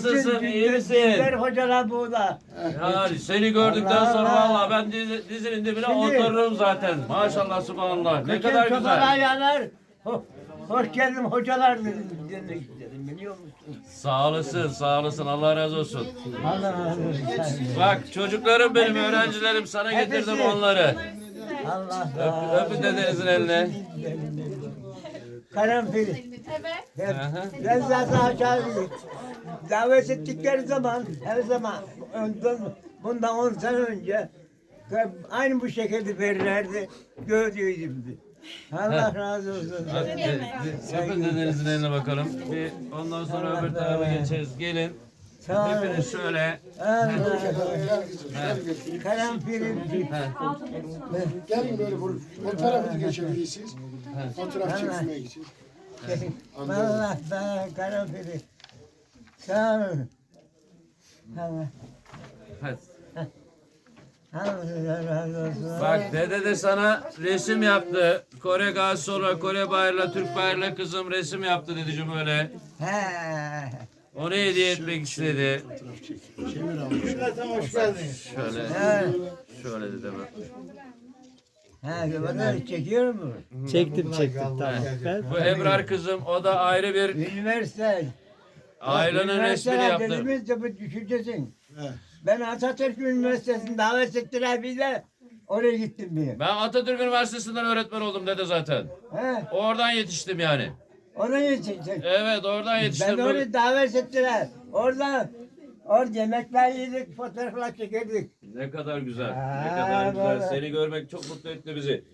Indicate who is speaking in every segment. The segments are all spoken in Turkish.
Speaker 1: Nasılsın? İyi misin?
Speaker 2: Güzel hocalar burada.
Speaker 1: Yani seni gördükten sonra vallahi ben dizinin dibine otururum zaten. Maşallah subhanallah. Ne kadar
Speaker 2: Bütün
Speaker 1: güzel.
Speaker 2: ayağlar. Hoş geldin hocalar demek istedim biliyor musun?
Speaker 1: Sağ olasın, sağ olasın. Allah razı olsun.
Speaker 2: Allah razı olsun.
Speaker 1: Bak çocuklarım benim, öğrencilerim. Sana getirdim onları.
Speaker 2: Allah
Speaker 1: Öpün dedenizin eline.
Speaker 2: Karanfil.
Speaker 3: Evet.
Speaker 2: Ben zaten aşağıdayım. Davet ettikleri zaman her zaman bundan 10 sene önce aynı bu şekilde verirlerdi. Gördüydüm. Allah razı olsun.
Speaker 1: Öpün dedenizin eline bakalım. Bir ondan sonra öbür tarafa geçeriz. Gelin.
Speaker 2: Sağ olun.
Speaker 1: Hepiniz şöyle.
Speaker 2: Karanfilim.
Speaker 4: Gelin böyle fotoğrafı geçebilirsiniz. Fotoğraf çekmeye gideceğiz.
Speaker 2: Vallahi bana karanfili. Sağ olun. Allah.
Speaker 1: Hadi.
Speaker 2: Allah razı olsun.
Speaker 1: Bak dede de sana resim yaptı. Kore gazisi olarak Kore bayrağıyla Türk bayrağıyla kızım resim yaptı dedeciğim öyle.
Speaker 2: He.
Speaker 1: Onu hediye etmek istedi.
Speaker 4: Hoş geldiniz.
Speaker 1: Şöyle.
Speaker 2: He.
Speaker 1: Şöyle dedem.
Speaker 2: He. Bunları çekiyor mu?
Speaker 5: Çektim tamam.
Speaker 1: Bu Ebrar kızım, o da ayrı bir
Speaker 2: Üniversite.
Speaker 1: ailenin resmini yaptı.
Speaker 2: Üniversite bu düşüncesin. Ben Atatürk Üniversitesi'nde davet ettiler bir de oraya gittim bir.
Speaker 1: Ben Atatürk Üniversitesi'nden öğretmen oldum dede zaten.
Speaker 2: He.
Speaker 1: Oradan yetiştim yani.
Speaker 2: Oraya gittim.
Speaker 1: Evet oradan
Speaker 2: Ben
Speaker 1: yetiştim.
Speaker 2: oraya davet ettiler. Orada yemekler yedik, fotoğraflar çekirdik.
Speaker 1: Ne kadar güzel. Ne
Speaker 2: Aa,
Speaker 1: kadar güzel.
Speaker 2: vallahi.
Speaker 1: Seni görmek çok mutlu etti bizi.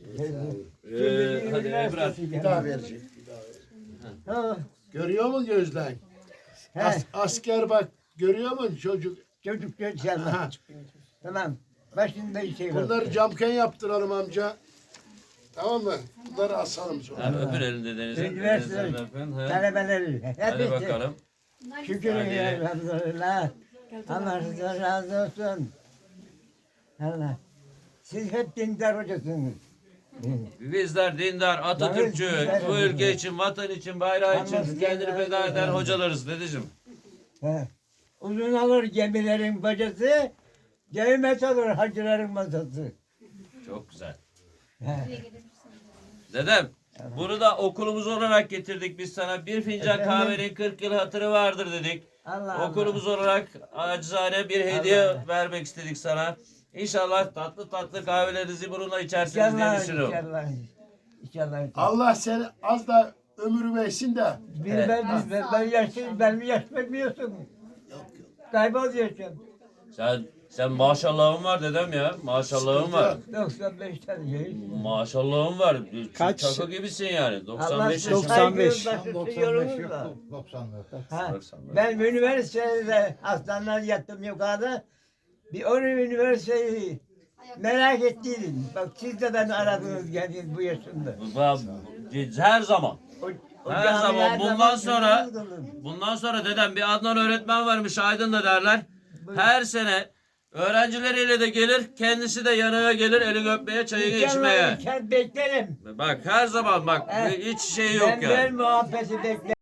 Speaker 1: Hadi Ebrar.
Speaker 4: Bir daha verecek.
Speaker 2: Ha,
Speaker 4: Görüyor mu gözden?
Speaker 2: he.
Speaker 4: Asker bak görüyor mu çocuk?
Speaker 2: Çocuk inşallah. Tamam. Başında şey var.
Speaker 4: Bunları camken yaptıralım amca. Tamam mı? Bunları asalım sonra.
Speaker 1: Hadi öpün elini dedenizin.
Speaker 2: Üniversite
Speaker 1: Dedenizin öpün. He.
Speaker 2: talebeleri.
Speaker 1: Hadi
Speaker 2: Hepsi.
Speaker 1: bakalım.
Speaker 2: Şükür
Speaker 1: Hadi.
Speaker 2: elhamdülillah. Allah razı olsun. Allah. Siz hep dindar hocasınız.
Speaker 1: Bizler dindar, Atatürkçü, bu ülke için, vatan için, bayrağı için kendini feda eden hocalarız dedeciğim.
Speaker 2: He. Uzun alır gemilerin bacası, gevmet alır hacıların masası.
Speaker 1: Çok güzel.
Speaker 2: He.
Speaker 1: Dedem, bunu da okulumuz olarak getirdik biz sana. Bir fincan
Speaker 2: Efendim?
Speaker 1: kahvenin 40 yıl hatırı vardır dedik.
Speaker 2: Allah
Speaker 1: Okulumuz olarak acizane bir hediye vermek istedik sana. İnşallah tatlı tatlı kahvelerinizi bununla içersiniz diye
Speaker 2: İnşallah,
Speaker 1: düşünüyorum.
Speaker 2: inşallah. İnşallah.
Speaker 4: Allah seni az da ömür versin de.
Speaker 2: Ben yaşlıyım, ben mi yaş bekliyorsun? Kaybol yaşım.
Speaker 1: Sen maşallahın var dedem ya. Maşallahın var.
Speaker 2: 95 tane yaş.
Speaker 1: Maşallahın var.
Speaker 5: Kaç?
Speaker 1: Çaka gibisin yani.
Speaker 2: Allah
Speaker 1: 95
Speaker 2: size
Speaker 1: yaşında.
Speaker 5: 95.
Speaker 2: saygı başlıyorsunuz da. Ha, ben üniversitede hastanelerde yattım yukarıda. Bir onu üniversiteyi merak ettiydim. Bak siz de beni aradınız geldiniz bu yaşımda.
Speaker 1: Her zaman.
Speaker 2: O
Speaker 1: Her
Speaker 2: camiler
Speaker 1: zaman. Bundan
Speaker 2: zaman
Speaker 1: sonra
Speaker 2: namaz kılın.
Speaker 1: bundan sonra dedem bir Adnan öğretmen varmış Aydın'da derler. Her sene öğrencileriyle de gelir, kendisi de yanına gelir, eli öpmeye, çayını içmeye.
Speaker 2: İnşallah beklerim.
Speaker 1: Bak her zaman bak hiç şey yok
Speaker 2: Ben
Speaker 1: yani.
Speaker 2: muhabbeti beklerim.